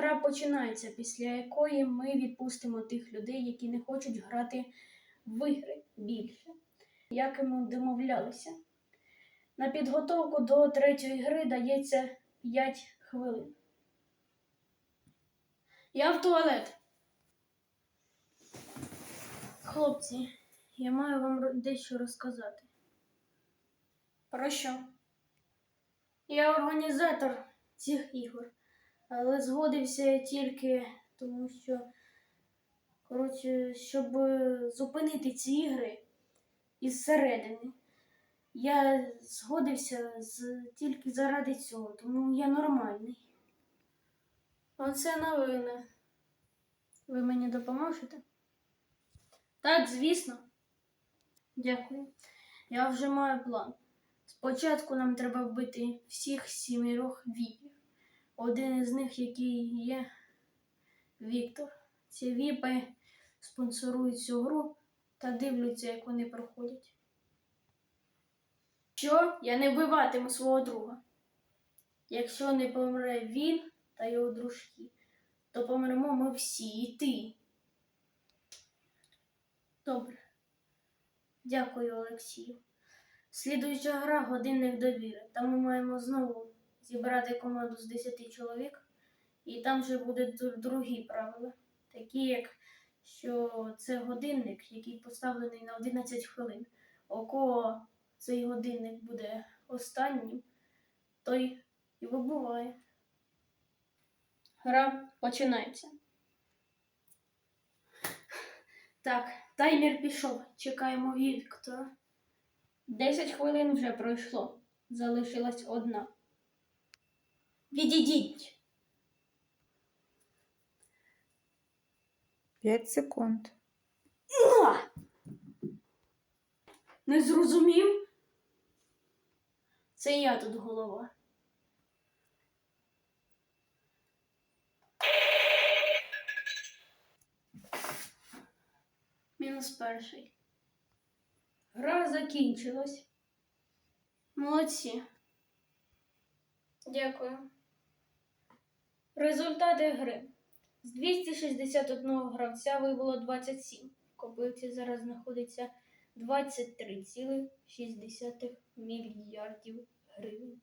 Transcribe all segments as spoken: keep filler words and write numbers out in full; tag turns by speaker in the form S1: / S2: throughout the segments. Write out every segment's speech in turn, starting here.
S1: гра починається, після якої ми відпустимо тих людей, які не хочуть грати в ігри більше, як і ми домовлялися. На підготовку до третьої гри дається п'ять хвилин. Я в туалет. Хлопці, я маю вам дещо розказати. Про що? Я організатор цих ігор, але згодився тільки тому, що, коротше, щоб зупинити ці ігри із середини. Я згодився з, тільки заради цього, тому я нормальний. Оце новини. Ви мені допоможете? Так, звісно. Дякую. Я вже маю план. Спочатку нам треба вбити всіх сімірох віпів. Один із них, який є Віктор. Ці віпи спонсорують цю гру та дивляться, як вони проходять. Що? Я не вбиватиму свого друга. Якщо не помре він та його дружки, то помремо ми всі, і ти. Добре. Дякую, Олексію. Слідуюча гра – годинник довіри. Там ми маємо знову зібрати команду з десяти чоловік. І там вже будуть другі правила. Такі, як, що це годинник, який поставлений на одинадцять хвилин. У кого цей годинник буде останнім, той і вибуває. Гра починається. Так, таймер пішов. Чекаємо Віктора. Десять хвилин вже пройшло. Залишилась одна. Відійдіть.
S2: П'ять секунд.
S1: Не зрозумів? Це я тут голова. Мінус перший. Гра закінчилась. Молодці. Дякую. Результати гри. З двохсот шістдесят одного гравця вибуло двадцять сім. В копилці зараз знаходиться двадцять три цілих шість десятих мільярдів гривень.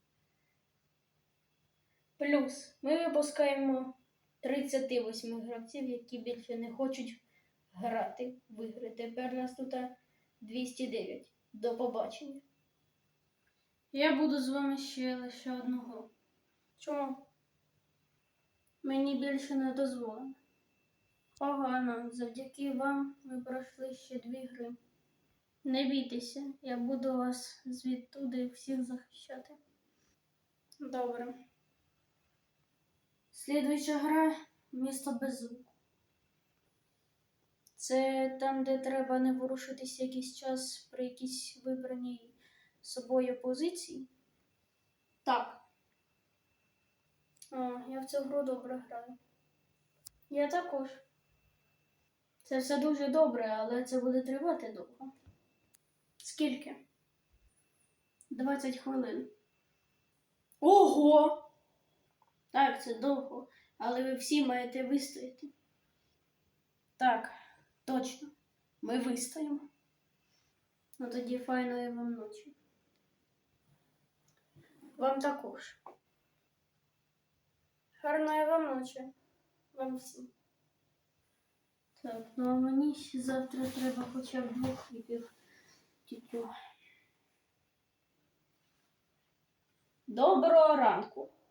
S1: Плюс ми випускаємо тридцять вісім гравців, які більше не хочуть грати в ігри. Тепер нас тут двісті дев'ять. До побачення. Я буду з вами ще лише одну гру. Чому? Мені більше не дозволено. Погано. Завдяки вам ми пройшли ще дві гри. Не бійтеся, я буду вас звідтуди всіх захищати. Добре. Слідуюча гра – місто без звуку. Це там, де треба не ворушитися якийсь час при якійсь вибраній собою позиції? Так. О, я в цю гру добре граю. Я також. Це все дуже добре, але це буде тривати довго. Скільки? двадцять хвилин. Ого! Так, це довго, але ви всі маєте вистояти. Так, точно. Ми вистоїмо. Ну тоді файної вам ночі. Вам також. Гарної вам ночі. Вам всім. Так, ну а мені ще завтра треба хоча б двох хлібів тітю. Доброго ранку.